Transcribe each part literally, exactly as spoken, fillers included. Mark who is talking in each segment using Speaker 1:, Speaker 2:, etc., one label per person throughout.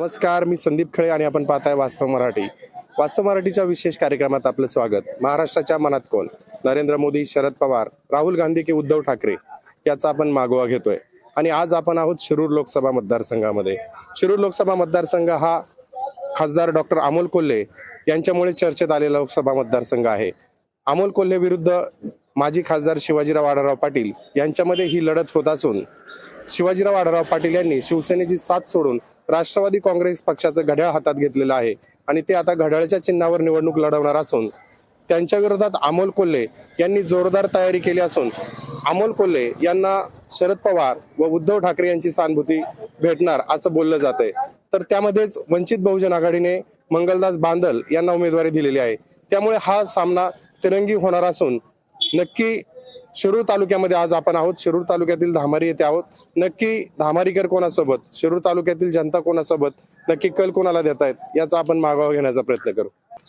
Speaker 1: नमस्कार, मी संदीप खळे आणि आपण पाहताय वास्तव मराठी. वास्तव मराठीच्या विशेष कार्यक्रमात आपलं स्वागत. महाराष्ट्राच्या मनात कोण? नरेंद्र मोदी, शरद पवार, राहुल गांधी की उद्धव ठाकरे याचा आपण मागोवा घेतोय. आणि आज आपण आहोत शिरूर लोकसभा मतदारसंघामध्ये. शिरूर लोकसभा मतदारसंघ हा खासदार डॉक्टर अमोल कोल्हे यांच्यामुळे चर्चेत आलेला लोकसभा मतदारसंघ आहे. अमोल कोल्हे विरुद्ध माजी खासदार शिवाजीराव आढळराव पाटील यांच्यामध्ये ही लढत होत असून शिवाजीराव आढळराव पाटील यांनी शिवसेनेची साथ सोडून राष्ट्रवादी काँग्रेस पक्षाचं घड्याळ हातात घेतलेलं आहे आणि ते आता घड्याळच्या चिन्हावर निवडणूक लढवणार असून त्यांच्या विरोधात अमोल कोल्हे यांनी जोरदार तयारी केली असून अमोल कोल्हे यांना शरद पवार व उद्धव ठाकरे यांची सहानुभूती भेटणार असं बोललं जातंय. तर त्यामध्येच वंचित बहुजन आघाडीने मंगलदास बांदल यांना उमेदवारी दिलेली आहे. त्यामुळे हा सामना तिरंगी होणार असून नक्की शिरूर तालुक्यामध्ये आज आपण आहोत. शिरूर तालुक्यातील धामारी येथे आहोत. नक्की धामारीकर कोणासोबत, शिरूर तालुक्यातील जनता कोणासोबत, नक्की कल कोणाला देत आहेत याचा आपण मागोवा घेण्याचा प्रयत्न करू.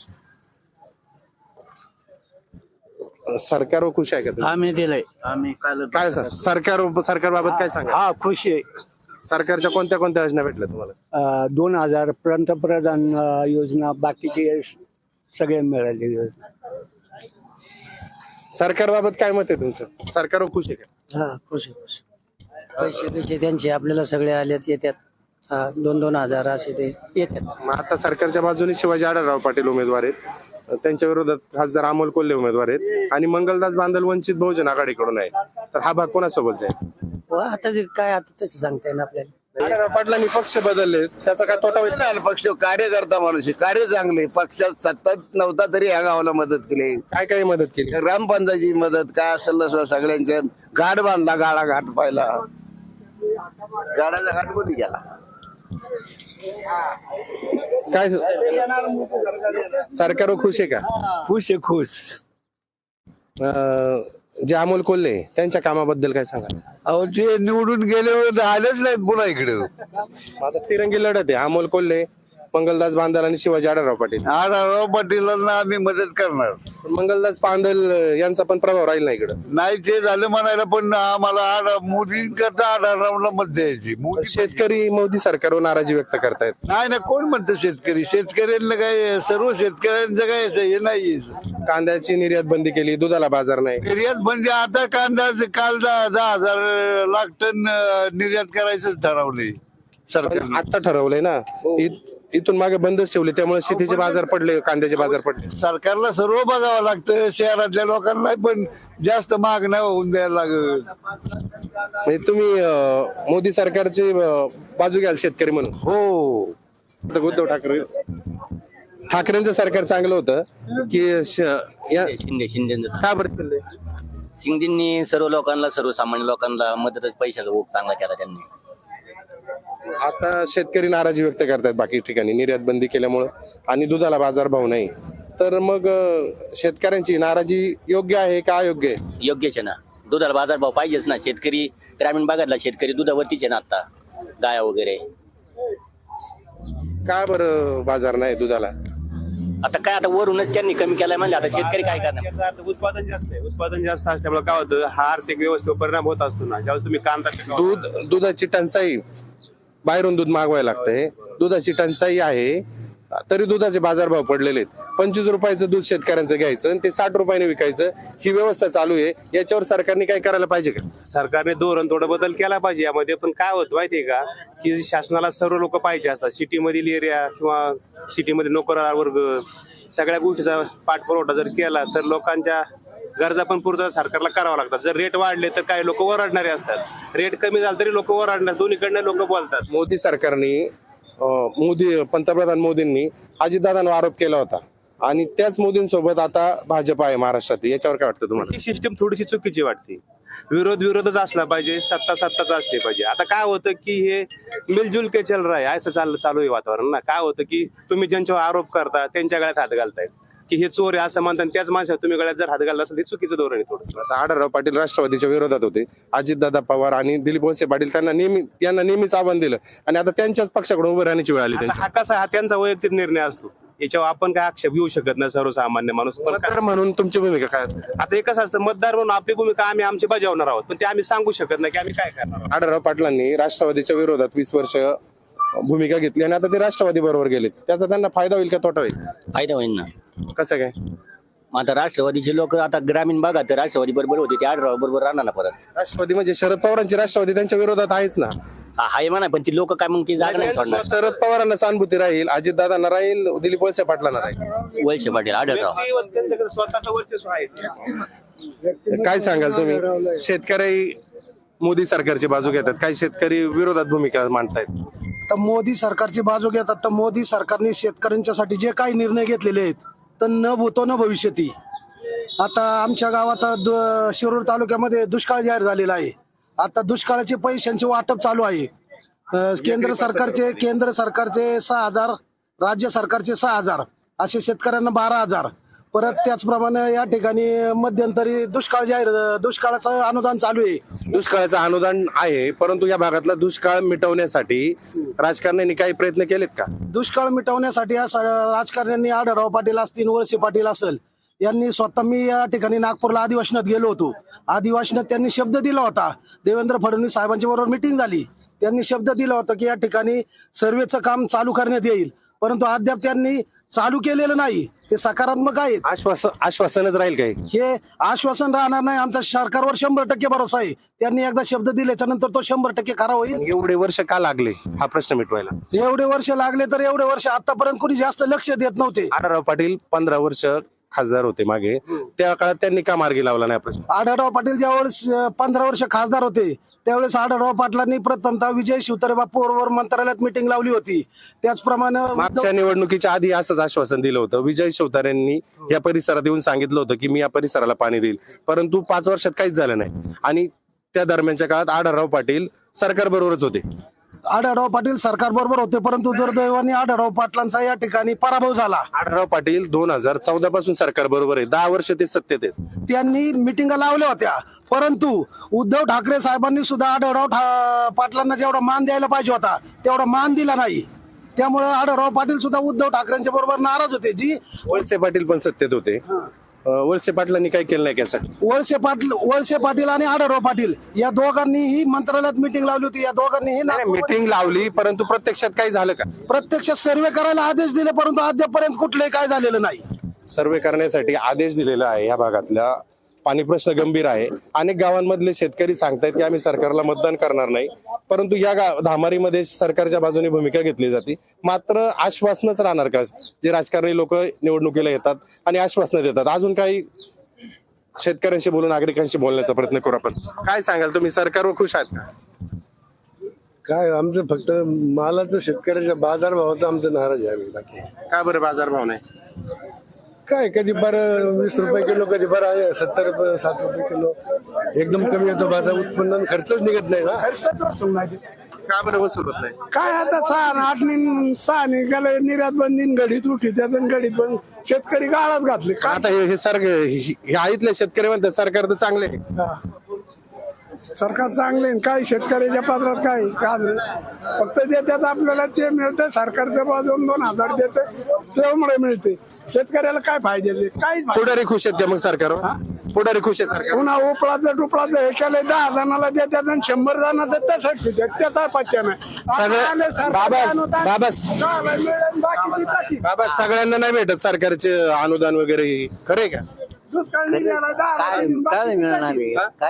Speaker 1: सरकारवर खुश आहे का?
Speaker 2: आम्ही दिलंय. आम्ही काल
Speaker 1: काय सरकार सरकारबाबत काय सांगा?
Speaker 2: हा खुश आहे.
Speaker 1: सरकारच्या कोणत्या कोणत्या योजना भेटल्या तुम्हाला?
Speaker 2: अं, दोन हजार पंतप्रधान अं, योजना, बाकीचे सगळे मिळाले योजना.
Speaker 1: सरकारबाबत काय मत आहे तुमचं? सरकारवर खुश आहे का?
Speaker 3: हा खुश आहे, खुश. पैसे पैसे त्यांचे आपल्याला सगळे आलेत, येतात. हा, दोन दोन हजार असे ते येतात.
Speaker 1: मग आता सरकारच्या बाजूने शिवाजी आढळराव पाटील उमेदवार आहेत, त्यांच्या विरोधात खासदार अमोल कोल्हे उमेदवार आहेत आणि मंगलदास बांदल वंचित बहुजन आघाडीकडून आहे. तर हा भाग कोणासोबत जाईल?
Speaker 3: व आता जे काय आता तसं सांगता येईल आपल्याला.
Speaker 1: आढळराव पाटलांनी पक्ष बदलले, त्याचा काय तोटा होईल?
Speaker 4: नाही, पक्ष कार्यकर्ता माणूस आहे, कार्य चांगले. पक्षात सत्ता नव्हता तरी ह्या गावाला मदत केली.
Speaker 1: काय काय मदत केली?
Speaker 4: ग्रामपंचायतीची मदत काय असेल नसलं सगळ्यांच्या घाट बांधला, गाडा घाट पाहिला. गाडाचा घाट कोणी गेला?
Speaker 1: काय सरकारवर खुश आहे का?
Speaker 2: खुश आहे, खुश.
Speaker 1: अं, जे अमोल कोल्हे त्यांच्या कामाबद्दल काय सांगा?
Speaker 4: अहो ते निवडून गेल्यावर आलेच नाहीत पुन्हा इकडे.
Speaker 1: आता तिरंगी लढत आहे. अमोल कोल्हे, मंगलदास बांदल आणि शिवाजी आढळराव पाटील.
Speaker 4: आढळराव पाटीलांना आम्ही मदत करणार.
Speaker 1: पण मंगलदास बांदल यांचा पण प्रभाव राहील ना इकडं.
Speaker 4: नाही ते झालं म्हणायला, पण आम्हाला आढ- मोदी करता आढळरावला मत द्यायची. मोदी
Speaker 1: शेतकरी मोदी सरकारवर नाराजी व्यक्त करतायत.
Speaker 4: नाही ना, कोण म्हणतं शेतकरी? शेतकऱ्यांना काय, सर्व शेतकऱ्यांचं काय असं हे नाही.
Speaker 1: कांद्याची निर्यात बंदी केली, दुधाला बाजार नाही.
Speaker 4: निर्यात म्हणजे आता कांदा काल दहा दहा हजार लाख टन अं, निर्यात करायचं ठरवले सरकार.
Speaker 1: आता ठरवलंय ना, इ- इथून मागे बंदच ठेवले, त्यामुळे शेतीचे बाजार पडले, कांद्याचे बाजार पडले.
Speaker 4: सरकारला सर्व बघावं लागतं, शहरातल्या लोकांना पण जास्त महाग नाही होऊन द्यायला लागत.
Speaker 1: म्हणजे तुम्ही अं, मोदी सरकारची अं, बाजू घ्याल शेतकरी म्हणून?
Speaker 4: हो,
Speaker 1: आता उद्धव ठाकरे ठाकरेंचं सरकार चांगलं होतं की श- या-
Speaker 5: शिंदे शिंदे
Speaker 1: का बरं चाललंय?
Speaker 5: शिंदेनी सर्व लोकांना, सर्वसामान्य लोकांना मदत, पैशाचा ओघ चांगला केला त्यांनी.
Speaker 1: आता शेतकरी नाराजी व्यक्त करतात बाकी ठिकाणी निर्यात बंदी केल्यामुळं आणि दुधाला बाजारभाव नाही. तर मग अं, शेतकऱ्यांची नाराजी योग्य आहे का अयोग्य आहे?
Speaker 5: योग्यच आहे ना, दुधाला बाजारभाव पाहिजेच ना. शेतकरी ग्रामीण भागातला शेतकरी दुधावरतीच आहे ना आता, गाया वगैरे.
Speaker 1: का बरं बाजार नाही दुधाला?
Speaker 5: आता काय, आता वरूनच त्यांनी कमी केलाय म्हणजे आता शेतकरी काय करणार?
Speaker 6: याचा अर्थ उत्पादन जास्त आहे. उत्पादन जास्त असल्यामुळे काय होतं, हा आर्थिक व्यवस्थेवर परिणाम होत असतो ना. ज्यावेळेस तुम्ही कांदा पिकवता,
Speaker 1: दूध दुधाची टंचाई, बाहेरून दूध मागवायला लागतंय, दुधाची टंचाई आहे, तरी दुधाचे बाजारभाव पडलेले आहेत. पंचवीस रुपयाचं दूध शेतकऱ्यांचं घ्यायचं आणि ते साठ रुपयाने विकायचं, ही व्यवस्था चालू आहे. याच्यावर सरकारने काय करायला पाहिजे का?
Speaker 6: सरकारने धोरण थोडं बदल केला पाहिजे यामध्ये. पण काय होतं माहितीये का, की शासनाला सर्व लोक पाहिजे असतात. सिटीमधील एरिया किंवा सिटीमध्ये नोकरदार वर्ग, सगळ्या गोष्टीचा पाठपुरवठा जर केला तर लोकांच्या गरजा पण पूर्ण सरकारला करावं लागतात. जर रेट वाढले तर काही लोक ओरडणारे असतात, रेट कमी झाला तरी लोक ओरडणार. दोन्हीकडनं लोक बोलतात.
Speaker 1: मोदी सरकारने अं, मोदी पंतप्रधान मोदींनी अजितदादांवर आरोप केला होता आणि त्याच मोदींसोबत आता भाजप आहे महाराष्ट्रात. याच्यावर काय वाटतं तुम्हाला?
Speaker 6: ही सिस्टीम थोडीशी चुकीची वाटते. विरोध विरोधच असला पाहिजे, सत्ता सत्ताच असली पाहिजे. आता काय होतं की हे मिलजुल के चल रहा है, असं चाललं चालू आहे वातावरण ना. काय होतं की तुम्ही ज्यांच्यावर आरोप करता त्यांच्या गळ्यात हात घालताय की हे चोर आहे असं म्हणतात, त्याच माणसाला तुम्ही गळ्यात जर हात घालला असेल, हे चुकीचं धोरण आहे थोडंसं.
Speaker 1: आता आढळराव पाटील राष्ट्रवादीच्या विरोधात होते, अजितदादा पवार आणि दिलीप वळसे पाटील त्यांना नेहमी यांना नेहमीच आव्हान दिलं आणि आता त्यांच्याच पक्षाकडून उभं राहण्याची वेळ आली त्यांची.
Speaker 6: हा कसा, हा त्यांचा वैयक्तिक निर्णय असतो, याच्यावर आपण काय आक्षेप घेऊ शकत नाही सर्वसामान्य माणूस. पण
Speaker 1: मतदार म्हणून तुमची भूमिका काय असते?
Speaker 6: आता एकच असतं, मतदार म्हणून आपली भूमिका आम्ही आमची बजावणार आहोत, पण ते आम्ही सांगू शकत नाही की आम्ही काय करणार आहोत.
Speaker 1: आढळराव पाटलांनी राष्ट्रवादीच्या विरोधात वीस वर्ष भूमिका घेतली आणि आता ते राष्ट्रवादी बरोबर गेले, त्याचा त्यांना फायदा होईल का तोटा होईल?
Speaker 5: फायदा होईल ना.
Speaker 1: कसं काय?
Speaker 5: मग आता राष्ट्रवादीचे लोक आता ग्रामीण भागात तर राष्ट्रवादी बरोबर होते ते आढळराव बरोबर राहणार ना परत.
Speaker 1: राष्ट्रवादी म्हणजे शरद पवारांची राष्ट्रवादी त्यांच्या विरोधात आहेच ना.
Speaker 5: हा आहे म्हणा, पण ती लोक काय मग ती जागा नाही सोडणार.
Speaker 1: शरद पवारांना सहानुभूती राहील, अजितदादांना राहील, दिलीप वळसे पाटलांना राहील.
Speaker 5: वळसे पाटील आढळराव.
Speaker 6: त्यांच्याकडे स्वतःचं वर्चस्व आहे.
Speaker 1: काय सांगाल तुम्ही? शेतकरी मोदी सरकारची बाजू घेतात, काही शेतकरी विरोधात भूमिका मांडतायत.
Speaker 7: तर मोदी सरकारची बाजू घेतात, तर मोदी सरकारने शेतकऱ्यांच्यासाठी जे काही निर्णय घेतलेले आहेत तर न भूतो न भविष्यती. आता आमच्या गावात दु- शिरूर तालुक्यामध्ये दुष्काळ जाहीर झालेला आहे. आता दुष्काळाचे पैशांचे वाटप चालू आहे. अं, केंद्र सरकारचे केंद्र सरकारचे सहा हजार, राज्य सरकारचे सहा हजार, असे शेतकऱ्यांना बारा हजार. परत त्याचप्रमाणे या ठिकाणी मध्यंतरी दुष्काळ जाहीर दुष्काळाचं अनुदान चालू आहे.
Speaker 1: दुष्काळाचं अनुदान आहे, परंतु या भागातला दुष्काळ मिटवण्यासाठी राजकारण्यांनी काही प्रयत्न केलेत का?
Speaker 7: दुष्काळ मिटवण्यासाठी या स- राजकारण्यांनी आढळराव पाटील असतील, वळसे पाटील असेल, यांनी स्वतः, मी या ठिकाणी नागपूरला अधिवेशनात गेलो होतो. अधिवेशनात त्यांनी शब्द दिला होता, देवेंद्र फडणवीस साहेबांच्या बरोबर मिटिंग झाली, त्यांनी शब्द दिला होता की या ठिकाणी सर्वेचं काम चालू करण्यात येईल, परंतु अद्याप त्यांनी चालू केलेलं नाही. ते सकारात्मक आहेत.
Speaker 1: आश्वासन आश्वासनच राहील काही?
Speaker 7: हे आश्वासन राहणार नाही. आमचा सरकारवर शंभर टक्के भरोसा आहे. त्यांनी एकदा शब्द दिल्याच्या नंतर तो शंभर टक्के खरा होईल.
Speaker 1: एवढे वर्ष का लागले हा प्रश्न मिटवायला?
Speaker 7: एवढे वर्ष लागले तर एवढे वर्ष आतापर्यंत कोणी जास्त लक्ष देत नव्हते.
Speaker 1: आढळराव पाटील पंधरा वर्ष खासदार होते मागे, त्या काळात त्यांनी का मार्गी लावला नाही प्रश्न?
Speaker 7: आढळराव पाटील ज्यावेळेस पंधरा वर्ष खासदार होते त्यावेळेस आढळराव पाटलांनी प्रथमतः विजय शिवतारे बापू बरोबर मंत्रालयात मिटिंग लावली होती. त्याचप्रमाणे
Speaker 1: मागच्या निवडणुकीच्या आधी असंच आश्वासन दिलं होतं. विजय शिवतारेंनी या परिसरात येऊन सांगितलं होतं की मी या परिसराला पाणी देईल, परंतु पाच वर्षात काहीच झालं नाही. आणि त्या दरम्यानच्या काळात आढळराव पाटील सरकार बरोबरच होते.
Speaker 7: आढळराव पाटील सरकार बरोबर होते, परंतु दुर्दैवाने आढळराव पाटलांचा या ठिकाणी पराभव झाला.
Speaker 1: आढळराव पाटील दोन हजार चौदा पासून सरकार बरोबर आहे, दहा वर्ष ते सत्तेत आहेत.
Speaker 7: त्यांनी मिटिंगा लावल्या होत्या, परंतु उद्धव ठाकरे साहेबांनी सुद्धा आढळराव ठा- पाटलांना जेवढा मान द्यायला पाहिजे होता तेवढा मान दिला नाही. त्यामुळे आढळराव पाटील सुद्धा उद्धव ठाकरेंच्या बरोबर नाराज होते. जी
Speaker 1: वळसे पाटील पण सत्तेत होते, अं, वळसे पाटलांनी काही केलं नाही त्यासाठी.
Speaker 7: वळसे पाटील वळसे पाटील आणि आढळराव पाटील या दोघांनीही मंत्रालयात मिटिंग लावली होती. या दोघांनीही नागपूरमध्ये
Speaker 1: मीटिंग लावली, परंतु प्रत्यक्षात काही झालं का?
Speaker 7: प्रत्यक्ष सर्वे करायला आदेश दिले, परंतु अद्यापर्यंत कुठलंही काय झालेलं नाही.
Speaker 1: सर्वे करण्यासाठी आदेश दिलेला आहे. या भागातल्या पाणी प्रश्न गंभीर आहे. अनेक गावांमधले शेतकरी सांगतायत की आम्ही सरकारला मतदान करणार नाही, परंतु या गाव धामारीमध्ये सरकारच्या बाजूने भूमिका घेतली जाते. मात्र आश्वासनच राहणार का? जे राजकारणी लोक निवडणुकीला येतात आणि आश्वासनं देतात. अजून काही शेतकऱ्यांशी बोलून नागरिकांशी बोलण्याचा प्रयत्न करू आपण. काय सांगाल तुम्ही, सरकारवर खुश आहात का?
Speaker 8: काय आमचं फक्त मालाचं शेतकऱ्याच्या बाजारभावात आमचं नाराज आहे आम्ही. बाकी
Speaker 1: का बरं बाजारभाव नाही?
Speaker 8: काय, कधी बरं वीस रुपये किलो, कधी बरं आहे सत्तर रुपये साठ रुपये किलो, एकदम कमी येतो बाजार. उत्पन्न खर्चच निघत नाही ना.
Speaker 1: का बरं वसूल होत नाही?
Speaker 2: काय आता सहा न आठ नि सहा निघाले, निर्यात बंदीन घडीत उठी त्यातून घडीत बंद, शेतकरी गाळात घातले. काय
Speaker 1: आता हे हे सरकार हे आईतले शेतकरी म्हणतात सरकार तर चांगले आहे.
Speaker 2: हा. सरकार चांगले आहे. काय शेतकऱ्याच्या पात्रात काय काय फक्त देतात आपल्याला ते मिळतं. सरकारच्या बाजून दोन हजार देते त्यामुळे मिळते. शेतकऱ्याला काय फायदे? काय
Speaker 1: पुढारी खुश आहेत का मग सरकारवर? पुढारी खुश आहे सरकार?
Speaker 2: पुन्हा उपळाचं टुपळाचं हे केलं, दहा जणाला देतात आणि शंभर जणांचं तसंच ठेवतात. त्याचा पत्त्या नाही.
Speaker 1: सगळं बाबा बाबा
Speaker 2: बाकीची तशी
Speaker 1: बाबा सगळ्यांना नाही भेटत सरकारचे अनुदान वगैरे, खरे का?
Speaker 2: दुष्काळ निघाला, दहा
Speaker 3: काय काय मिळणार आहे? काय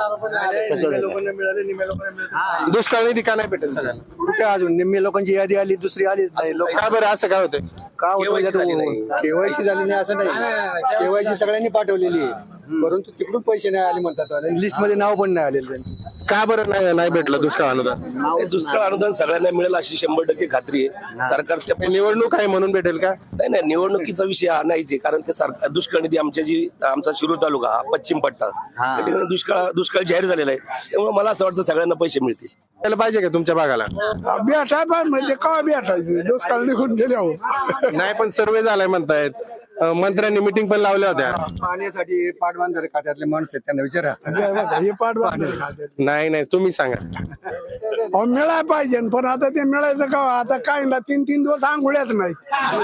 Speaker 1: दुष्काळ निधी का नाही भेटत सगळ्यांना?
Speaker 3: कुठे अजून निम्मे लोकांची यादी आली, दुसरी आलीच नाही. लोक
Speaker 1: का बरं असं काय होतंय?
Speaker 3: का होतं? केवायसी झाली नाही असं नाही. केवायसी सगळ्यांनी पाठवलेली आहे, परंतु तिकडून पैसे नाही आले म्हणतात. लिस्ट मध्ये नाव पण नाही आलेलं त्यांचं.
Speaker 1: का बरं नाही नाही भेटलं दुष्काळ अनुदान?
Speaker 9: हे दुष्काळ अनुदान सगळ्यांना मिळेल अशी शंभर टक्के खात्री आहे. सरकार त्या
Speaker 1: हे निवडणूक आहे म्हणून भेटेल का?
Speaker 9: नाही नाही निवडणुकीचा विषय हा नाहीच आहे. कारण ते सरकार दुष्काळ निधी आमच्या जी आमचा शिरूर तालुका हा पश्चिम पट्टा त्या ठिकाणी दुष्काळ दुष्काळ जाहीर झालेला आहे. त्यामुळे मला असं वाटतं सगळ्यांना पैसे मिळतील.
Speaker 1: त्याला पाहिजे का तुमच्या भागाला?
Speaker 2: भेटाय पण म्हणजे का भेटायचं? दुष्काळ निघून गेले हो.
Speaker 1: नाही, पण सर्वे झालाय म्हणतायत. अं, मंत्र्यांनी मिटिंग पण लावल्या होत्या.
Speaker 3: पाण्यासाठी पाटबंधारे खात्यातले माणसं आहेत, त्यांना विचारा.
Speaker 2: हे पाठ बांधले.
Speaker 1: नाही नाही तुम्ही सांगा.
Speaker 2: अहो मिळाय पाहिजे, पण आता ते मिळायचं का? आता काय ना तीन तीन दिवस आंघोळ्याच नाहीत.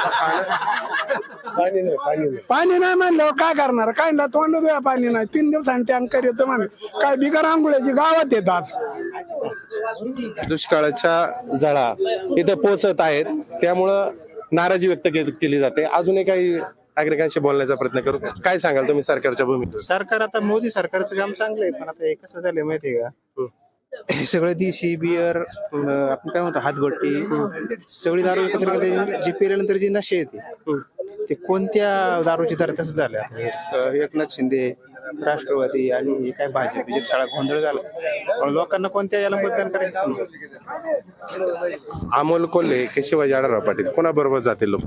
Speaker 8: पाणी नाही, पाणी नाही.
Speaker 2: पाणी नाही म्हणल्यावर काय करणार? काय ना तोंड द्या, पाणी नाही. तीन दिवसांनी टँकर येतं म्हण. काय बिगर आंघोळ्याची गावात येतात.
Speaker 1: दुष्काळाच्या झळा इथे पोहोचत आहेत, त्यामुळं नाराजी व्यक्त के- केली जाते. अजूनही काही नागरिकांशी बोलण्याचा प्रयत्न करू. काय सांगाल तुम्ही सरकारच्या भूमिकेत?
Speaker 6: सरकार आता मोदी सरकारचं काम चांगलं आहे, पण आता हे कसं झालंय माहितीये का, हे सगळं देशी बियर, आपण काय म्हणतो हातभट्टी, सगळी दारू एकत्र केली, जी पिल्यानंतर जी नशे येते ते कोणत्या दारूची दर तसं झालं. अं, एकनाथ शिंदे, राष्ट्रवादी आणि हे काय भाजप बीजेप सगळा गोंधळ झाला, पण लोकांना कोणत्या याला मतदान करायचं समजत.
Speaker 1: अमोल कोल्हे की शिवाजी आढळराव पाटील कोणाबरोबर जातील लोक?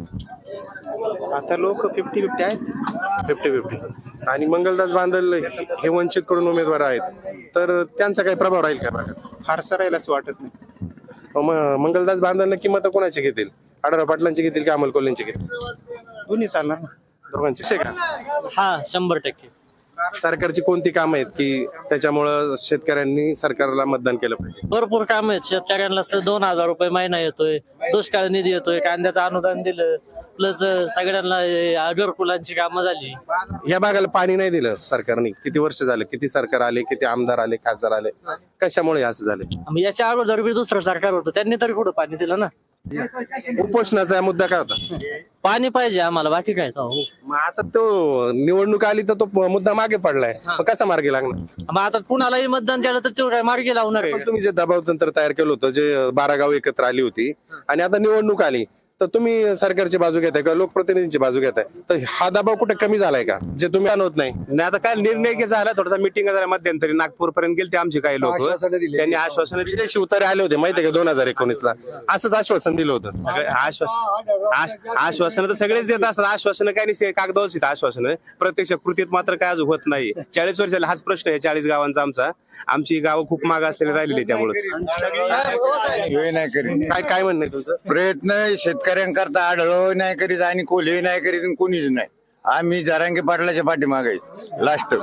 Speaker 6: आता लोक फिफ्टी फिफ्टी आहेत.
Speaker 1: Fifty fifty. आणि मंगलदास बांदल हे वंचित कडून उमेदवार आहेत, तर त्यांचा काही प्रभाव राहील का भागात?
Speaker 6: फारसं राहील असं वाटत नाही.
Speaker 1: म- मंगलदास बांदल नक्की मतं कोणाची घेतील? आढळराव पाटलांची घेतील की अमोल कोल्हेंची घेतील?
Speaker 6: दोन्ही चालणार ना.
Speaker 1: दोघांची. असे का?
Speaker 10: हा शंभर टक्के.
Speaker 1: सरकारची कोणती कामं आहेत की त्याच्यामुळं शेतकऱ्यांनी सरकारला मतदान केलं पाहिजे?
Speaker 10: भरपूर काम आहेत शेतकऱ्यांना. स- दोन हजार रुपये महिना येतोय, दुष्काळ निधी येतोय, कांद्याचं अनुदान दिलं, प्लस सगळ्यांना अ, घरकुलांची कामं झाली.
Speaker 1: या भागाला पाणी नाही दिलं सरकारने. किती वर्ष झाले, किती सरकार आले, किती आमदार आले, खासदार आले, कशामुळे असं झाले?
Speaker 10: मग याच्या अगोदर बी दुसरं सरकार होतं, त्यांनी तरी कुठं पाणी दिलं ना.
Speaker 1: उपोषणाचा मुद्दा काय होता?
Speaker 10: पाणी पाहिजे आम्हाला, बाकी काय. हो.
Speaker 1: मग आता तो निवडणूक आली तर तो मुद्दा मागे पडलाय, मग कसा मार्गी लागणार?
Speaker 10: मग आता कुणालाही मतदान केलं तर ते काय मार्गी लावणार आहे.
Speaker 1: पण तुम्ही जे दबाव तंत्र तयार केलं होतं, जे बारा गाव एकत्र आली होती आणि आता निवडणूक आली, तर तुम्ही सरकारची बाजू घेताय किंवा लोकप्रतिनिधींची बाजू घेताय, तर हा दबाव कुठे कमी झालाय का, जे तुम्ही आणत नाही?
Speaker 6: नाही आता काय निर्णय झाला, थोडासा मिटिंग झाला मध्यंतरी, नागपूर पर्यंत गेले ते आमचे काही लोक,
Speaker 3: आश्वासनं दिली.
Speaker 6: त्यांनी आश्वासन दिली.
Speaker 1: जे शिवतारे आले होते माहितीये का दोन हजार एकोणीस ला, असंच आश्वासन दिलं होतं.
Speaker 6: सगळे आश्वासन आश- आश्वासनं तर सगळेच देत असतात. आश्वासनं काय नसते, कागदावरच येतात आश्वासनं, प्रत्यक्ष कृतीत मात्र काय अजून होत नाही. चाळीस वर्ष झाले हाच प्रश्न आहे चाळीस गावांचा आमचा. आमची गावं खूप माग असलेली राहिलेली त्यामुळे.
Speaker 4: हे नाही करीत
Speaker 1: काय काय म्हणणं आहे तुमचं?
Speaker 4: प्रयत्न शेतकऱ्यांकरता आढळ नाही करीत आणि कोल्हे नाही करीत आणि कोणीच नाही. आम्ही जरांगे पाटलाच्या पाठीमागे लास्ट.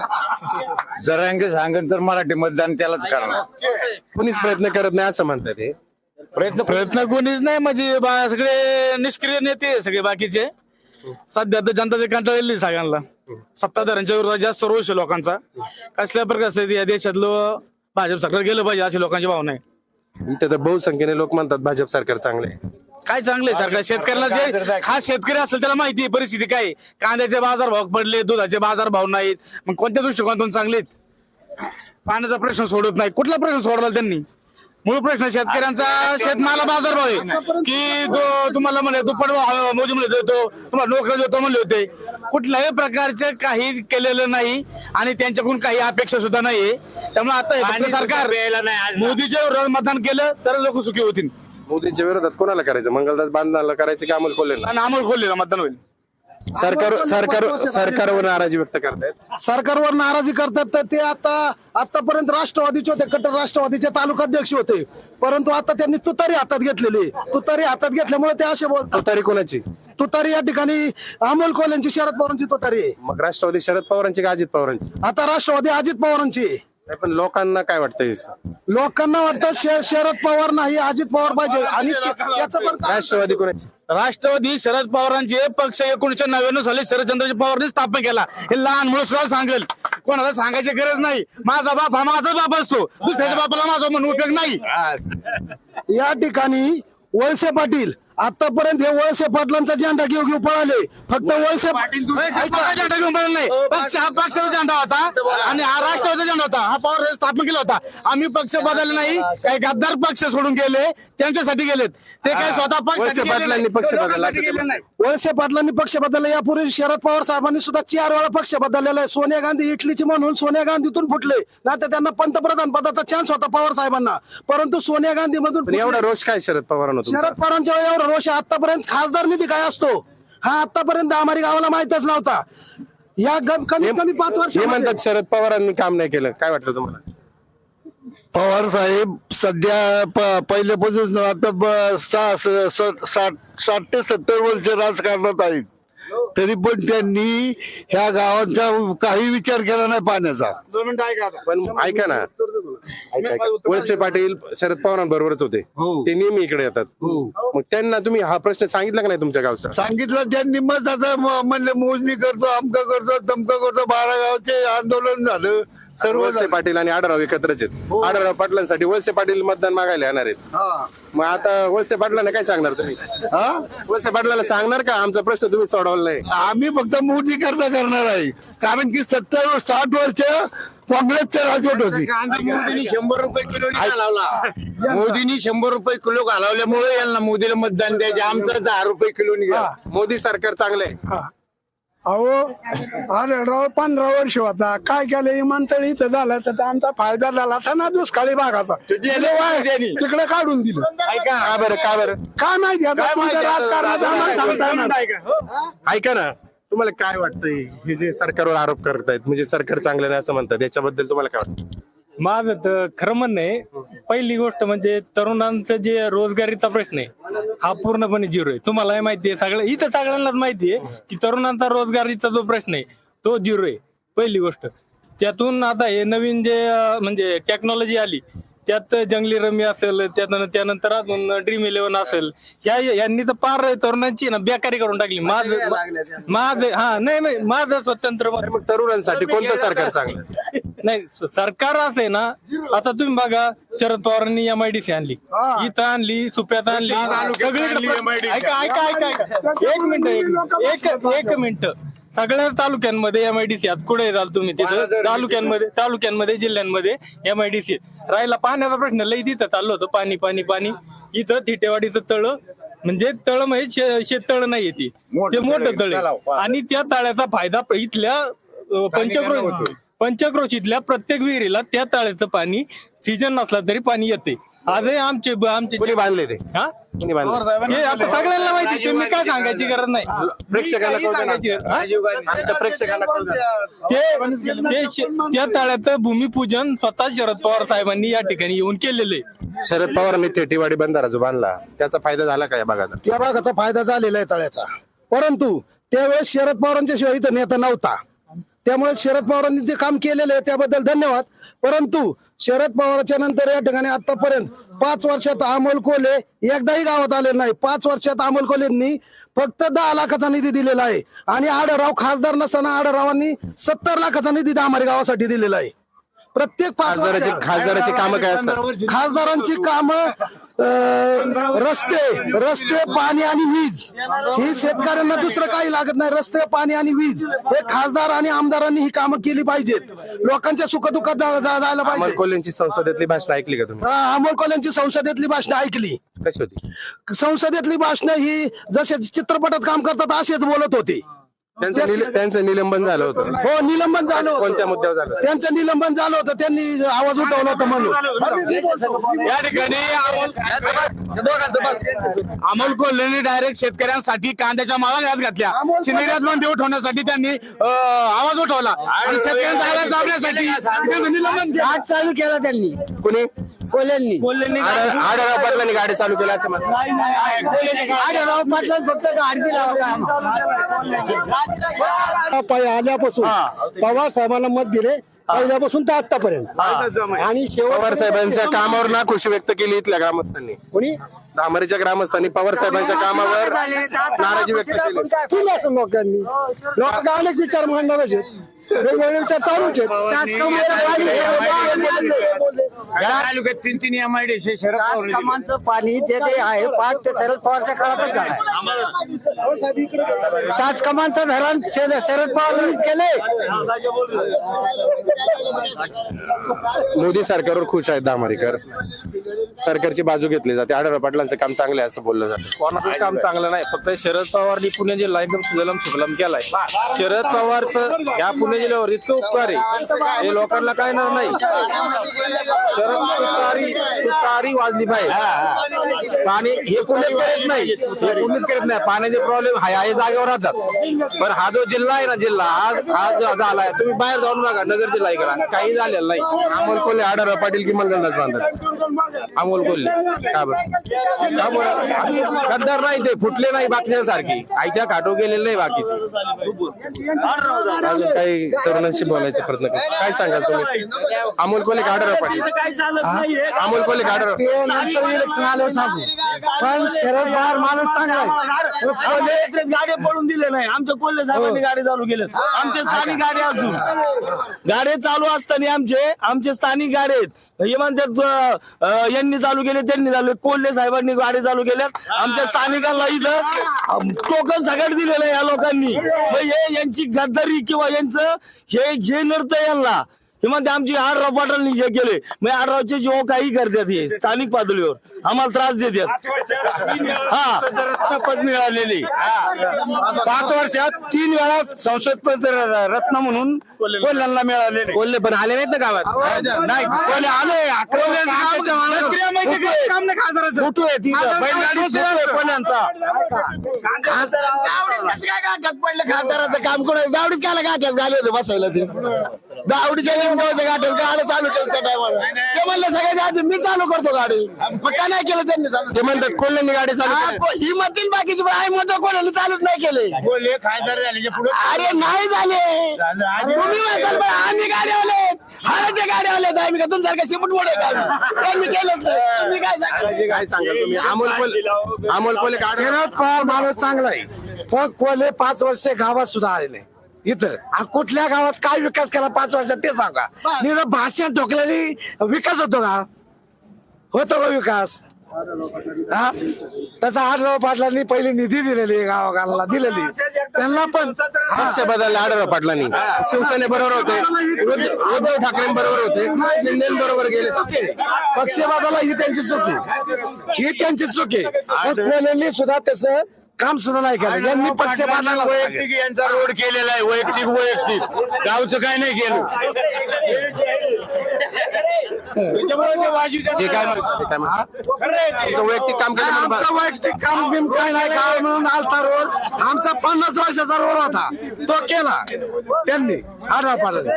Speaker 4: जरांगे सांगन तर मराठी मतदान त्यालाच करणार.
Speaker 1: कोणीच प्रयत्न करत नाही असं म्हणतात हे.
Speaker 9: प्रयत्न प्रयत्न कोणीच नाही म्हणजे बा- सगळे निष्क्रिय नेते सगळे बाकीचे. सध्या तर जनता कंटाळलेली सगळ्यांना, सत्ताधाऱ्यांच्या विरोधात जास्त रोष आहे लोकांचा. कसल्या प्रकारचं या देशातलं भाजप सरकार गेलं पाहिजे अशी लोकांची भावना आहे.
Speaker 1: इथे तर बहुसंख्येने लोक म्हणतात भाजप सरकार चांगले आहे.
Speaker 9: काय चांगले सरकार शेतकऱ्याला जे खास शेतकरी असेल त्याला माहिती आहे परिस्थिती काय आहे. कांद्याचे बाजार भाव पडले, दुधाचे बाजार भाव नाहीत, मग कोणत्या दृष्टिकोनातून चांगले आहेत? पाण्याचा प्रश्न सोडत नाही. कुठला प्रश्न सोडला त्यांनी? मूळ प्रश्न शेतकऱ्यांचा शेतमाला बाजार भाव आहे की तो तुम्हाला म्हणे दुप्पट भाव मोदी म्हणले देतो, तुम्हाला नोकरी देतो म्हणले होते. कुठल्याही प्रकारचं काही केलेलं नाही आणि त्यांच्याकडून काही अपेक्षा सुद्धा नाहीये. त्यामुळे आता हे फक्त सरकार मोदीच्या विरोधात मतदान केलं तर लोक सुखी होतील.
Speaker 1: मोदींच्या विरोधात कोणाला करायचं? मंगलदास बांधणाला करायचं की अमोल कोल्हेला?
Speaker 9: आणि अमोल कोल्हेला मतदान होईल.
Speaker 1: सरकार सरकार सरकारवर नाराजी व्यक्त करतायत.
Speaker 7: सरकारवर नाराजी करतात तर ते आता आतापर्यंत राष्ट्रवादीचे होते, कट्टर राष्ट्रवादीचे तालुकाध्यक्ष होते, परंतु आता त्यांनी तुतारी हातात घेतलेली. तुतारी हातात घेतल्यामुळे ते असे बोलतात.
Speaker 1: तुतारी कोणाची?
Speaker 7: तुतारी या ठिकाणी अमोल कोल्हेंची, शरद पवारांची तुतारी आहे.
Speaker 1: मग राष्ट्रवादी शरद पवारांची का अजित पवारांची?
Speaker 7: आता राष्ट्रवादी अजित पवारांची आहे.
Speaker 1: नाही, पण लोकांना काय वाटतंय?
Speaker 7: लोकांना वाटतं शे- शरद पवार नाही अजित पवार पाहिजे आणि ते- त्याचं पण कारण-
Speaker 1: राष्ट्रवादी कोणाची?
Speaker 9: राष्ट्रवादी शरद पवारांचे पक्ष एकोणीसशे नव्याण्णव साली शरदचंद्रजी पवारांनी स्थापन केला. हे लहान मुलं सुद्धा सांगेल, कोणाला सांगायची गरज नाही. माझा बाप हा माझा बाप असतो, दुसऱ्याच्या बापाला माझा म्हणून उपयोग नाही.
Speaker 7: या ठिकाणी वळसे पाटील आतापर्यंत हे वळसे पाटलांचा झेंडा घेऊ घेऊ पळाले. फक्त वळसे पाटील
Speaker 9: झेंडा घेऊन पडला नाही. पक्ष हा पक्षाचा झेंडा होता आणि हा राष्ट्रवादीचा झेंडा होता. हा पवार स्थापन केला होता. आम्ही पक्ष बदलले नाही, काही गद्दार पक्ष सोडून गेले, त्यांच्यासाठी गेलेत. ते काही स्वतः पक्ष
Speaker 1: वळसे पाटलांनी पक्ष बदलला असं ते
Speaker 9: नाही.
Speaker 7: वळसे पाटलांनी पक्ष बदलला. यापूर्वी शरद पवार साहेबांनी सुद्धा चार वेळा पक्ष बदललेला आहे. सोनिया गांधी इटलीची म्हणून सोनिया गांधीतून फुटले, नाही तर त्यांना पंतप्रधान पदाचा चान्स होता पवार साहेबांना, परंतु सोनिया गांधी मधून
Speaker 1: पण एवढा रोष काय शरद पवारांना तुमचा?
Speaker 7: शरद पवारांच्या वेळी एवढा रोष आहे. आतापर्यंत खासदार निधी काय असतो हा आतापर्यंत आम्हाला गावाला माहितच नव्हता. या ग- कमीत कमी पाच वर्ष
Speaker 1: हे म्हणतात शरद पवारांनी काम नाही केलं. काय वाटतं तुम्हाला?
Speaker 4: पवार साहेब सध्या प- पहिल्यापासून आता ब- सा- स- स- साठ साठ ते सत्तर वर्ष राजकारणात आहेत, तरी पण त्यांनी ह्या गावाचा काही विचार केला नाही पाण्याचा.
Speaker 1: पण ऐका ना, ऐका, ऐका. वळसे पाटील शरद पवारांबरोबरच होते, ते नेहमी इकडे येतात. मग त्यांना तुम्ही हा प्रश्न सांगितला का नाही तुमच्या गावचा?
Speaker 4: सांगितलं त्यांनी, मग आता म- म्हणले मोजणी करतो, अमका करतो, तमका करतो. बारा गावचे आंदोलन झालं, सर्व
Speaker 1: वळसे पाटील आणि आढळराव एकत्रच आहेत. आढळराव पाटलांसाठी वळसे पाटील मतदान मागायला येणार आहेत. मग आता वळसे पाटलांना काय सांगणार तुम्ही?
Speaker 4: हा
Speaker 1: वळसे पाटलांना सांगणार का आमचा प्रश्न तुम्ही सोडवला नाही?
Speaker 4: आम्ही फक्त मोदी करता करणार आहे, कारण की सत्तर साठ वर्ष काँग्रेसच्या राजवट होती.
Speaker 9: मोदींनी शंभर रुपये किलो घालावला मोदींनी शंभर रुपये किलो घालवल्यामुळे यांना मोदीला मतदान द्यायचे. आमचं दहा रुपये किलो निघा.
Speaker 1: मोदी सरकार चांगलं आहे.
Speaker 2: अहो आढळराव पंधरा वर्ष होता, काय केलं विमानतळ इथं झालं तर आमचा फायदा झाला असता ना दुष्काळी भागाचा. तिकडे काढून दिलं.
Speaker 1: का बरं का बरं
Speaker 2: काय माहिती आता तुमच्या राजकारणात आम्हाला सांगता येणार.
Speaker 1: ऐका ना, तुम्हाला काय वाटतंय हे जे सरकारवर आरोप करतायत, म्हणजे सरकार चांगलं नाही असं म्हणतात, याच्याबद्दल तुम्हाला काय वाटतं?
Speaker 11: माझं तर खरं म्हणणं आहे, पहिली गोष्ट म्हणजे तरुणांचं जे रोजगारीचा प्रश्न आहे हा पूर्णपणे झिरो आहे. तुम्हालाही माहिती आहे, सगळं इथं सगळ्यांनाच माहिती आहे की तरुणांचा रोजगारीचा जो प्रश्न आहे तो झिरो आहे पहिली गोष्ट. त्यातून आता हे नवीन जे अं, म्हणजे टेक्नॉलॉजी आली त्यात जंगली रमी असेल, त्यानंतर त्यानंतर अजून ड्रीम इलेव्हन असेल, या यांनी तर पार तरुणांची ना बेकारी करून टाकली. माझं माझं हा नाही नाही माझं स्वतंत्र मत.
Speaker 1: मग तरुणांसाठी कोणतं सरकार चांगलं?
Speaker 11: नाही सरकार असं आहे ना, आता तुम्ही बघा शरद पवारांनी एमआयडीसी आणली, इथं आणली, सुप्यात आणली, सगळीकडे. ऐका ऐका ऐका ऐका एक मिनिट एक मिनिट एक एक मिनिट सगळ्या तालुक्यांमध्ये एमआयडीसी आहेत. कुठे जाल तुम्ही तिथं तालुक्यांमध्ये तालुक्यांमध्ये जिल्ह्यांमध्ये एमआयडीसी राहिला. पाण्याचा प्रश्न लई तिथं चाललं होतं, पाणी पाणी पाणी. इथं थिटेवाडीचं तळ म्हणजे तळ म्हणजे शेततळ नाहीये ती, ते मोठं तळ आहे. आणि त्या तळ्याचा फायदा इथल्या अं, पंचक्रोश पंचक्रोशीतल्या प्रत्येक विहिरीला त्या तळ्याचं पाणी सीजन नसला तरी पाणी येते. आजही आमचे आमचे
Speaker 1: कोणी बांधले ते?
Speaker 11: हा
Speaker 1: कोणी बांधले?
Speaker 11: हे आता सगळ्यांना माहिती, तुम्ही काय सांगायची गरज नाही.
Speaker 1: प्रेक्षकांना
Speaker 11: मी काही
Speaker 1: कळू द्या ना.
Speaker 11: सांगायची गरज- हा?
Speaker 1: आमच्या प्रेक्षकांना कळू द्या.
Speaker 11: ते ते शे- त्या तळ्याचं भूमिपूजन स्वतः शरद पवार साहेबांनी या ठिकाणी येऊन केलेलं आहे.
Speaker 1: शरद पवारांनी थेटीवाडी बंधारा जो बांधला त्याचा फायदा झाला का या भागात?
Speaker 7: त्या भागाचा फायदा झालेला आहे तळ्याचा, परंतु त्यावेळेस शरद पवारांच्या शिवाय इथं नेता नव्हता. त्यामुळे शरद पवारांनी ते काम केलेलं आहे त्याबद्दल धन्यवाद. परंतु शरद पवारांच्या नंतर या ठिकाणी आतापर्यंत पाच वर्षात अमोल कोल्हे एकदाही गावात आले नाही. पाच वर्षात अमोल कोल्हेंनी फक्त दहा लाखाचा निधी दिलेला आहे आणि आढळराव खासदार नसताना आढळरावांनी सत्तर लाखाचा निधी आम्हाला गावासाठी दिलेला आहे. प्रत्येक पाच
Speaker 1: खासदाराची
Speaker 7: वर्षात
Speaker 1: खासदाराची कामं काय असतात?
Speaker 7: खासदारांची कामं रस्ते रस्ते पाणी आणि वीज, ही शेतकऱ्यांना दुसरं काही लागत नाही. रस्ते पाणी आणि वीज हे खासदार आणि आमदारांनी ही कामं केली पाहिजेत. लोकांच्या सुखदुःखात जा- जा- जायला
Speaker 1: अमोल
Speaker 7: पाहिजे.
Speaker 1: कोल्हेंची संसदेतली भाषण ऐकली का तुम्ही?
Speaker 7: हा, अमोल कोल्हेंची संसदेतली भाषणं ऐकली.
Speaker 1: कशी होती?
Speaker 7: संसदेतली भाषणं ही जसे चित्रपटात काम करतात असेच बोलत होते.
Speaker 1: त्यांचं निल- त्यांचं निलंबन झालं होतं.
Speaker 7: हो, निलंबन झालं होतं.
Speaker 1: कोणत्या मुद्द्यावर झालं?
Speaker 7: त्यांचं निलंबन झालं होतं, त्यांनी आवाज उठवला होता म्हणून.
Speaker 9: या ठिकाणी अमोल कोल्हेने डायरेक्ट शेतकऱ्यांसाठी कांद्याच्या माळा यात घातल्या. निर्यात बंदी उठवण्यासाठी त्यांनी अं, आवाज उठवला आणि शेतकऱ्यांचा आवाज दाबण्यासाठी त्यांचं निलंबन केलं.
Speaker 3: आठ चालू केला त्यांनी
Speaker 1: कुणी?
Speaker 3: कोल्ह्यांनी.
Speaker 1: आढळ- आढळराव पाटलांनी गाडी चालू केली असं म्हणतात.
Speaker 3: आढळराव पाटलांनी फक्त गाडी दिला
Speaker 7: पाय आल्यापासून पवार साहेबांना मत दिले पहिल्यापासून तर आतापर्यंत. आणि
Speaker 1: पवार साहेबांच्या कामावर नाखुशी व्यक्त केली इथल्या ग्रामस्थांनी.
Speaker 7: कोणी
Speaker 1: धामरीच्या ग्रामस्थांनी पवार साहेबांच्या कामावर नाराजी व्यक्त केली.
Speaker 7: केलं असं लोकांनी. लोक अनेक विचार मांडणार आहेत, वेगवेगळे विचार चालूच आहेत.
Speaker 9: तीन तीन एमआयडीसी शरद पवार
Speaker 3: कमांचं पाणी ते ते आहे पाठ ते शरद पवारच्या काळातच झालाय. सात कमांचं धरण शरद शरद पवारांनीच केलंय.
Speaker 1: मोदी सरकारवर खुश आहेत धामरीकर. सरकारची बाजू घेतली जाते. आढळराव पाटलांचं काम चांगलं आहे असं बोललं जातं.
Speaker 12: कोणाचं काम चांगलं नाही, फक्त शरद पवारनी पुणे जिल्हा एकदम सुजलम सुफलम केलाय. शरद पवारचं या पुणे जिल्ह्यावर इतकं उपकार आहे, हे लोकांना काय ना नाही. शरद तुतारी तुतारी वाजली पाहिजे. पाणी हे कोणीच करत नाही, हे कोणीच करत नाही. पाण्याचे प्रॉब्लेम हाय आहे जागेवर राहतात. पण हा जो जिल्हा आहे ना, जिल्हा आज हा जो झालाय, तुम्ही बाहेर जाऊन बघा नगर जिल्हा इकडा काही झालेलं नाही.
Speaker 1: अमोल कोल्हे, आढळराव पाटील की मंगलदास बांधर?
Speaker 12: अमोल कोल्हे का बरं का बरं? आम्ही गद्दार नाही ते फुटले नाही बाकीच्या सारखी आईच्या खाटो गेलेले नाही बाकीचे.
Speaker 1: अजून काही तरुणांशी बोलायचा प्रयत्न करतो. काय सांगाल तुम्ही? अमोल कोल्हे का आढळराव पाटील? अमोल कोल्हे का आढळराव?
Speaker 7: ते नंतर इलेक्शन आल्यावर सांगू. पण शरद पवार माणूस चांगला आहे.
Speaker 9: गाडी पडून दिले नाही आमच्या कोल्हे साहेबांनी गाडी चालू केले आमचे स्थानिक गाडी अजून गाडी चालू असताना आमचे आमचे स्थानिक गाडी आहेत हे म्हणतात अं, यांनी चालू केले त्यांनी चालू कोल्हे साहेबांनी गाडी चालू केल्यात आमच्या स्थानिकांना इथं टोकन सगळं दिलेलं आहे या लोकांनी. मग हे यांची गद्दारी किंवा यांचं हे जे नृत्य यांना हे म्हणते आमची आढराव पाटलांनी जे केले मग आढरावचे जे काही करतात हे स्थानिक पातळीवर आम्हाला त्रास देतात. हा
Speaker 4: रत्नपद मिळालेली पाच वर्षात तीन वेळा संसद पद रत्न म्हणून कोल्ह्यांना मिळालेले.
Speaker 12: कोल्हे पण आले नाहीत ना गावात.
Speaker 4: नाही कोल्हे आले फोटो आहे तिथं बैलगाडी फोटो आहे कोल्ह्यांचा.
Speaker 9: खासदाराचं काम कोण दावडीत कायला गाठ्यात झाले होते बसायला ते दावडीच्या लिंबावरच्या गाठ्यात गाडं चालू केलं त्या टायमाला ते म्हणलं सगळ्यात आधी मी चालू करतो गाडी मग का नाही केलं त्यांनी चालू
Speaker 1: ते म्हणतात कोल्ह्यांनी गाडी चालू केली.
Speaker 9: हा, ही म्हणतील बाकीची पण आई म्हणतो कोणाला चालूच नाही केले अरे नाही झाले तुम्ही म्हणताल पण आम्ही गाडी आले हाराच्या गाड्या आले आम्ही का तुमच्यासारखं शिपट मोठे त्यांनी केलंच नाही. तुम्ही काय सांगा
Speaker 1: काय सांगाल तुम्ही? अमोल कोल्हे अमोल कोल्हे का आढळराव?
Speaker 7: शरद पवार माणूस चांगला आहे पण कोल्हे पाच वर्ष गावात सुद्धा आले नाही. इथं आ, कुठल्या गावात काय विकास केला पाच वर्षात ते सांगा. निर भाषण ठोकल्याने विकास होतो का? होतो का विकास? हा तसा आढळराव पाटलांनी पहिली निधी दिलेली गावाला दिलेली त्यांना पण
Speaker 1: पक्ष बदलला आढळराव पाटलांनी. शिवसेने बरोबर होते उद्धव उद्धव ठाकरे बरोबर होते शिंदे बरोबर गेले.
Speaker 7: पक्ष बदलला ही त्यांची चूक आहे ही त्यांची चूक आहे. पण कोल्हेंनी सुद्धा त्याचं काम सुद्धा नाही केलं. यांनी पक्ष बदलला
Speaker 4: वैयक्तिक यांचा रोड केलेला आहे वैयक्तिक वैयक्तिक गावचं काय नाही केलं.
Speaker 1: ते काय म्हणतात? ते काय म्हणतात? तुमचं वैयक्तिक काम केलं म्हणून
Speaker 7: आमचं वैयक्तिक काम बिम काय नाही काय म्हणून आलता रोड आमचा पन्नास वर्षाचा रोड होता तो केला त्यांनी आढळराव पाटलांनी.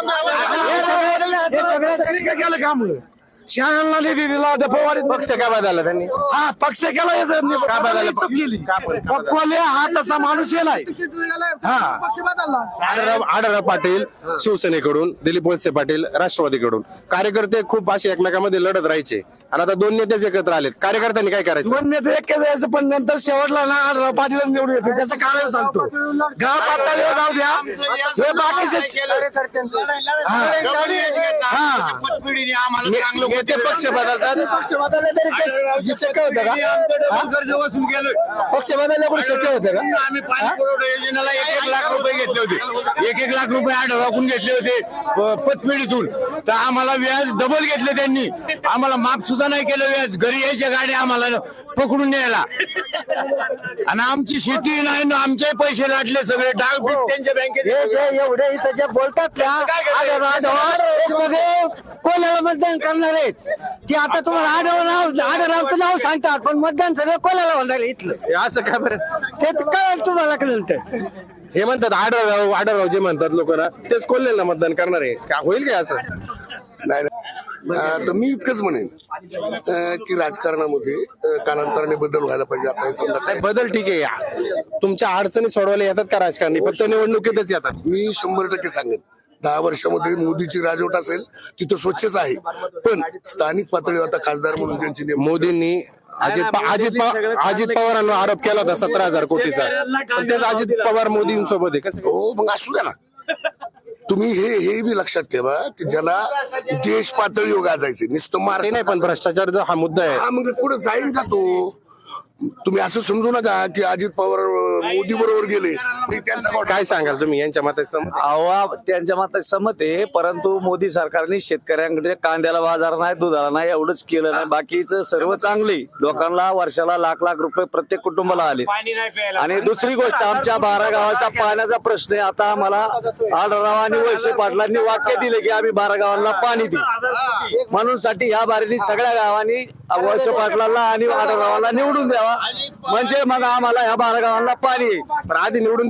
Speaker 7: हे सगळं त्यांनी काय केलं काम शाळांना निधी दिला डफवाडीत
Speaker 1: पक्ष का बदलला त्यांनी?
Speaker 7: हा पक्ष केला हे त्यांनी.
Speaker 1: का बदलला?
Speaker 7: चूक केली.
Speaker 1: का पण? का बदलला?
Speaker 7: कोल्हे हा तसा माणूस येलाय हा
Speaker 1: आढळराव आढळराव पाटील शिवसेनेकडून दिलीप वळसे पाटील राष्ट्रवादीकडून कार्यकर्ते खूप असे एकमेकांमध्ये लढत राहायचे आणि आता दोन नेतेच एकत्र आलेत. कार्यकर्त्यांनी काय करायचं?
Speaker 7: दोन नेते एक जायचं पण नंतर शेवटला ना आढळराव पाटीलच निवडून येते त्याचं कारण सांगतो. गाव पातळीवर जाऊ द्या हे बाकीचे
Speaker 4: आम्हाला
Speaker 1: नेते पक्ष बदलतात.
Speaker 7: पक्ष बदलले तरी ते शक्य होतं का?
Speaker 4: कर्ज वसूल केलं.
Speaker 7: पक्ष बदलले पण शक्य होतं का?
Speaker 4: आम्ही पाणी पुरवठा योजनेला एक एक लाख रुपये घेतले होते एक एक लाख रुपये आढळरावून घेतले होते प- पतपेढीतून तर आम्हाला व्याज डबल घेतले त्यांनी आम्हाला माफ सुद्धा नाही केलं व्याज. घरी यायच्या गाड्या आम्हाला पकडून न्यायला आणि आमची शेती नाही ना आमचे पैसे लाटले सगळे डाग त्यांच्या बँकेत.
Speaker 7: हे जे एवढे इथं जे बोलतात ना आढळराव हे सगळे कोल्याला मतदान करणार आहेत ते आता तुम्हाला आढळराव नाव आढळरावचं नाव सांगतात पण मतदान सगळं कोल्याला होणार आहे इथलं.
Speaker 1: हे असं का बरं?
Speaker 7: ते कळेल तुम्हाला नंतर.
Speaker 1: हे म्हणतात आढळराव आढळराव जे म्हणतात लोकांना तेच कोल्हेला मतदान करणार आहे का? होईल काय असं?
Speaker 8: नाही तर मी इतकंच म्हणेन अं, की राजकारणामध्ये अं, कालांतराने बदल व्हायला पाहिजे. आता हे समजा काय
Speaker 1: बदल ठीक आहे तुमच्या अडचणी सोडवायला येतात का राजकारणी? फक्त निवडणुकीतच येतात.
Speaker 8: मी शंभर टक्के सांगेन दहा वर्षामध्ये मोदीची राजवट असेल तिथं स्वच्छच आहे पण स्थानिक पातळीवर आता खासदार म्हणून त्यांची नेमणूक
Speaker 1: मोदींनी अजित पा- अजित पवार अजित पवारांवर आरोप केला होता सतरा हजार कोटीचा पण तेच अजित पवार मोदींसोबत आहे कसं?
Speaker 8: हो मग असू द्या ना. तुम्ही हे हे बी लक्षात ठेवा की ज्याला देश पातळीवर गाजायचे नुसतं मार
Speaker 1: ते नाही पण भ्रष्टाचार हा मुद्दा आहे.
Speaker 8: हा मग पुढे जाईल का तो? तुम्ही असं समजू नका की अजित पवार मोदी बरोबर गेले आणि त्यांचा कोण-
Speaker 1: काय सांगाल तुम्ही यांच्या मतात सम-
Speaker 13: अवा त्यांच्या मतात सहमत आहे परंतु मोदी सरकारने शेतकऱ्यांकडे कांद्याला बाजार नाही दुधाला नाही एवढंच केलं नाही बाकीचं सर्व चांगले लोकांना वर्षाला लाख लाख रुपये प्रत्येक कुटुंबाला आले आणि दुसरी गोष्ट आमच्या बारा गावाचा पाण्याचा प्रश्न आहे. आता आम्हाला आढळराव आणि वळसे पाटलांनी वाक्य दिले की आम्ही बारा गावांना पाणी देऊ म्हणून साठी ह्या बारीने सगळ्या गावांनी वळसे पाटलांना आणि आढळरावाला निवडून द्यावा म्हणजे मग आम्हाला ह्या बारा गावांना पाणी येईल.
Speaker 1: पण आधी निवडून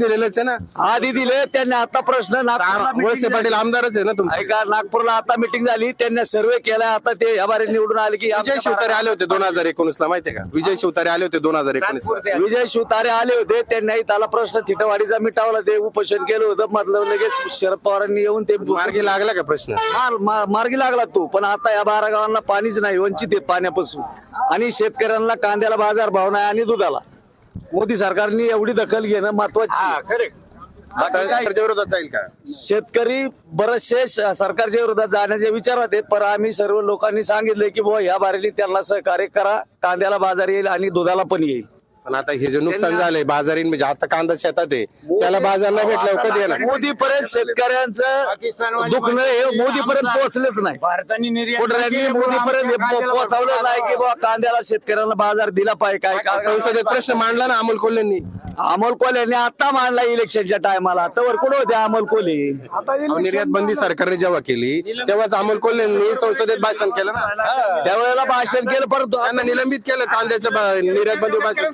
Speaker 1: दिलेलंच आहे ना.
Speaker 13: आधी दिले त्यांनी. आता प्रश्न नागपूरला meeting
Speaker 1: वळसे पाटील
Speaker 13: झाली.
Speaker 1: आमदारच आहे ना तुमचे.
Speaker 13: ऐका, नागपूरला आता मिटिंग झाली, त्यांनी सर्वे केला. आता ते या बारे निवडून आले की
Speaker 1: विजय
Speaker 13: आमच्या
Speaker 1: शिवतारे आले होते दोन हजार एकोणीस ला, माहितीये का? विजय शिवतारे आले होते दोन हजार एकोणीस ला.
Speaker 13: विजय शिवतारे आले होते. त्यांनी त्याला प्रश्न थिटवाडीचा मिटावला. ते उपोषण केलं होतं. मतलब लगेच शरद पवारांनी येऊन ते
Speaker 1: मार्गी लागला का प्रश्न?
Speaker 13: मार- मा- मार्गी लागला तो. पण आता या बारा गावांना पाणीच नाही, वंचित आहे पाण्यापासून. आणि शेतकऱ्यांना कांद्याला बाजार भाव नाही आणि दुधाला. मोदी सरकारने एवढी दखल घेणं महत्वाची आहे. बाकी काय?
Speaker 1: सरकारच्या विरोधात जाईल का?
Speaker 13: शेतकरी बरेचसे स- सरकारच्या विरोधात जाण्याच्या विचारात आहेत. पण आम्ही सर्व लोकांनी सांगितले की बुवा या बारीने त्यांना सहकार्य करा. कांद्याला बाजार येईल आणि दुधाला पण येईल.
Speaker 1: पण आता हे जे नुकसान झालंय बाजारीन, म्हणजे आता कांदा शेतात आहे, त्याला बाजार नाही भेटल्यावर कधी येणार?
Speaker 13: मोदी पर्यंत शेतकऱ्यांचं दुखणं हे मोदी पर्यंत पोहोचलेच नाही. कुठल्यानी मोदी पर्यंत पोहोचवलं नाही की बाबा कांद्याला शेतकऱ्यांना बाजार दिला पाहिजे. काय काय
Speaker 1: संसदेत प्रश्न मांडला ना अमोल कोल्हेंनी.
Speaker 13: अमोल कोल्हेने आता मांडला इलेक्शनच्या टायमाला. तर कुठं होते अमोल कोल्हे?
Speaker 1: अहो, निर्यात बंदी सरकारने जेव्हा केली तेव्हाच अमोल कोल्हेंनी संसदेत भाषण केलं ना.
Speaker 13: त्यावेळेला भाषण केलं, परंतु
Speaker 1: त्यांना निलंबित केलं कांद्याच्या बा- निर्यात बंदी भाषण.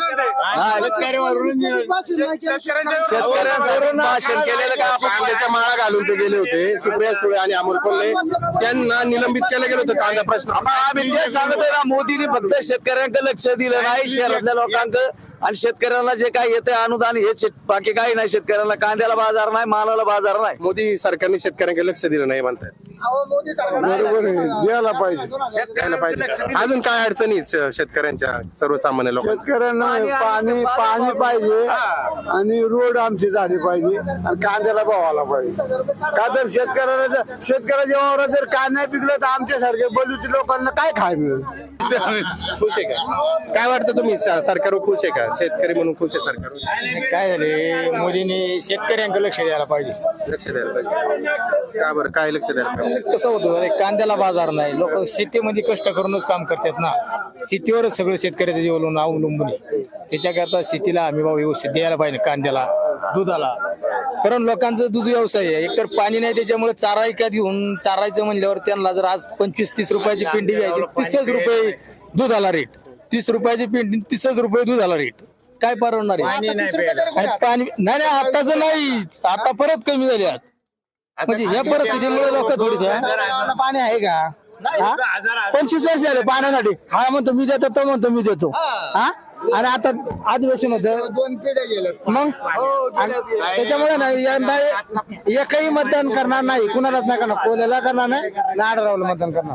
Speaker 13: शेतकऱ्यांवरून भाषण केलेलं का आपण
Speaker 1: कांद्याच्या माळा घालून ते गेले होते सुप्रिया सुळे आणि अमोल कोल्हे. त्यांना निलंबित केलं गेलं होतं कांदा प्रश्न.
Speaker 13: आम्ही ते सांगतोय ना, मोदीने फक्त शेतकऱ्यांकडे लक्ष दिलं नाही, शहरातल्या लोकांकडे. आणि शेतकऱ्यांना जे काही येते अनुदान हे शेत- बाकी काही नाही. शेतकऱ्यांना कांद्याला बाजार नाही, मालाला बाजार नाही.
Speaker 1: मोदी सरकारने शेतकऱ्यांकडे लक्ष दिलं नाही म्हणतात.
Speaker 8: बरोबर आहे, द्यायला पाहिजे.
Speaker 1: द्यायला पाहिजे. अजून काय अडचणी आहेत श- शेतकऱ्यांच्या, सर्वसामान्य लोकांना?
Speaker 8: शेतकऱ्यांना पाणी पाणी पाहिजे आणि रोड आमची झाली पाहिजे आणि कांद्याला भावाला पाहिजे. का तर शेतकऱ्याला जर शेतकऱ्याच्या वावरात जर काय नाही पिकलं तर आमच्यासारखे बलुती लोकांना काय खाय मिळेल?
Speaker 1: खुश आहे का? काय वाटतं तुम्ही, स- सरकारवर खुश आहे का? शेतकरी म्हणून खुश आहे सरकार?
Speaker 11: काय झाले, मोदींनी शेतकऱ्यांकडे लक्ष द्यायला पाहिजे.
Speaker 1: लक्ष द्यायला पाहिजे. का बरं, काय लक्ष द्यायला पाहिजे?
Speaker 11: कसं होतं, अरे कांद्याला बाजार नाही. लोक शेतीमध्ये कष्ट करूनच काम करतात ना. शेतीवरच सगळं शेतकऱ्याचं जीवन अवलंबून आहे. त्याच्याकरता शेतीला हमी भाव व्यवस्थित द्यायला पाहिजे, कांद्याला, दुधाला. कारण लोकांचं दूध व्यवसाय आहे. एकतर पाणी नाही, त्याच्यामुळे चारा ऐकत घेऊन चारायचं म्हणल्यावर त्यांना जर आज पंचवीस तीस रुपयाची पिंडी घ्यायची, तीसच रुपये दुधाला रेट. तीस रुपयाची पिंडी, तीसच रुपये दुधाला रेट. काय परवडणार आहे? आणि पाणी नाही नाही आताच नाही, आता परत कमी झाले आहेत. म्हणजे या परिस्थितीमुळे लोक थोडीसे
Speaker 7: पाणी आहे का? हा? पंचवीस वर्ष झाले पाण्यासाठी. हा म्हणतो मी देतो, तो म्हणतो मी देतो. हा आणि आता आदिवासी मध्ये दोन पिढ्या गेल्या मग. आणि त्याच्यामुळे ना यंदा एकही मतदान करणार नाही, कुणालाच नाही करणार. कोल्याला करणार नाही, नाडरावला मतदान करणार.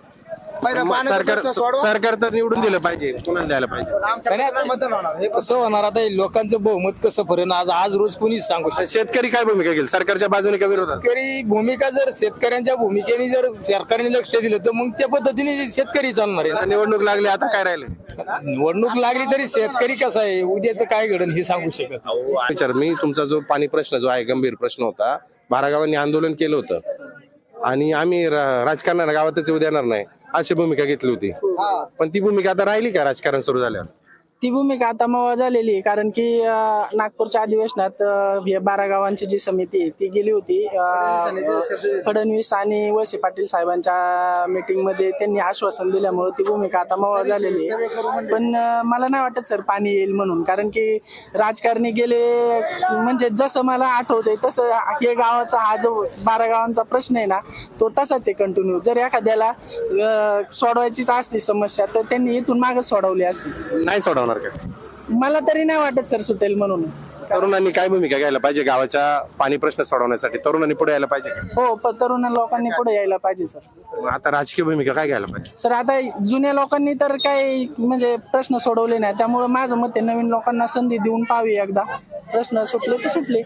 Speaker 1: सरकार सरकार तर निवडून दिलं पाहिजे, कुणाला द्यायला पाहिजे?
Speaker 11: हे कसं होणार आता, हे लोकांचं बहुमत कसं फरेन आज आज रोज कोणीच सांगू शकत.
Speaker 1: शेतकरी काय भूमिका घेईल, सरकारच्या बाजूने का विरोधात?
Speaker 11: शेतकरी भूमिका जर शेतकऱ्यांच्या भूमिकेने जर सरकारने लक्ष दिलं तर मग त्या पद्धतीने शेतकरी चालणार आहे
Speaker 1: आता निवडणूक लागली, आता काय राहिले?
Speaker 11: ना. निवडणूक लागली तरी शेतकरी कसा आहे, उद्याचं काय घडण हे सांगू शकत.
Speaker 1: विचार मी तुमचा जो पाणी प्रश्न जो आहे गंभीर प्रश्न होता, बारा गावांनी आंदोलन केलं होतं आणि आम्ही रा- राजकारणाला गावातच येऊ देणार नाही अशी भूमिका घेतली होती. पण ती भूमिका आता राहिली का राजकारण सुरू झाल्यावर?
Speaker 14: ती भूमिका आता मग झालेली आहे. कारण की अं, नागपूरच्या अधिवेशनात अं, हे बारा गावांची जी समिती आहे ती गेली होती. अं, फडणवीस आणि वळसे पाटील साहेबांच्या मीटिंग मध्ये त्यांनी आश्वासन दिल्यामुळे ती भूमिका आता मग झालेली आहे. पण अं, मला नाही वाटत सर पाणी येईल म्हणून. कारण की राजकारणी गेले म्हणजे जसं मला आठवतंय तसं हे गावाचा हा जो बारा गावांचा प्रश्न आहे ना तो तसाच आहे कंटिन्यू. जर एखाद्याला अं, सोडवायचीच असली समस्या तर त्यांनी इथून मागे सोडवली असती.
Speaker 1: नाही सोडवणार का?
Speaker 14: मला तरी नाही वाटत सर सुटेल म्हणून.
Speaker 1: तरुणांनी काय भूमिका घ्यायला पाहिजे गावाच्या पाणी प्रश्न सोडवण्यासाठी? तरुणांनी पुढे यायला पाहिजे का?
Speaker 14: हो पण तरुण लोकांनी पुढे यायला पाहिजे सर.
Speaker 1: मग आता राजकीय भूमिका काय घ्यायला पाहिजे?
Speaker 14: सर आता जुन्या लोकांनी तर काही म्हणजे प्रश्न सोडवले नाही, त्यामुळे माझं मत आहे नवीन लोकांना संधी देऊन पाहावी. एकदा प्रश्न सुटले तर सुटले.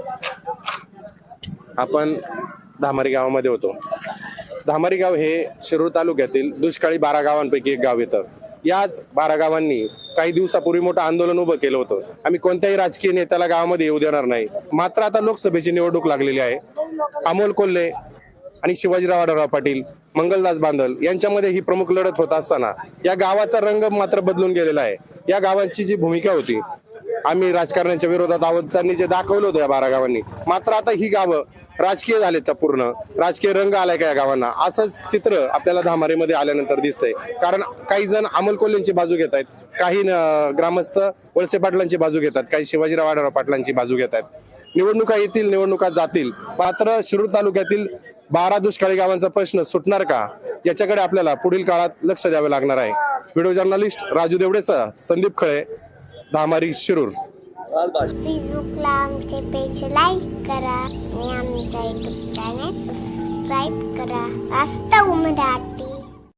Speaker 1: आपण धामारी गावामध्ये होतो. धामारी गाव हे शिरूर तालुक्यातील दुष्काळी बारा गावांपैकी एक गाव येतं. याच बारा गावांनी काही दिवसापूर्वी मोठं आंदोलन उभं केलं होतं. आम्ही कोणत्याही राजकीय नेत्याला गावामध्ये येऊ देणार नाही. मात्र आता लोकसभेची निवडणूक लागलेली आहे. अमोल कोल्हे आणि शिवाजीराव आढळराव पाटील, मंगलदास बांदल यांच्यामध्ये ही प्रमुख लढत होत असताना या गावाचा रंग मात्र बदलून गेलेला आहे. या गावांची जी भूमिका होती, आम्ही राजकारण्यांच्या विरोधात आहोत त्यांनी जे दाखवलं होतं या बारा गावांनी, मात्र आता ही गावं राजकीय झालेत का? पूर्ण राजकीय रंग आलाय का या गावांना? असंच चित्र आपल्याला धामारीमध्ये आल्यानंतर दिसतंय. कारण काही जण अमोल कोल्हेंची बाजू घेत आहेत, काही न- ग्रामस्थ वळसे पाटलांची बाजू घेतात, काही शिवाजीराव आढळराव पाटलांची बाजू घेतात. निवडणुका येतील, निवडणुका जातील, मात्र शिरूर तालुक्यातील बारा दुष्काळी गावांचा प्रश्न सुटणार का, याच्याकडे आपल्याला पुढील काळात लक्ष द्यावे लागणार आहे. व्हिडिओ जर्नलिस्ट राजू देवडेसह संदीप खळे, धामारी, शिरूर.
Speaker 15: फेसबुकला आमचे पेज लाईक करा आणि आमच्या युट्यूब चॅनेल सबस्क्राईब करा. वास्तव मराठी.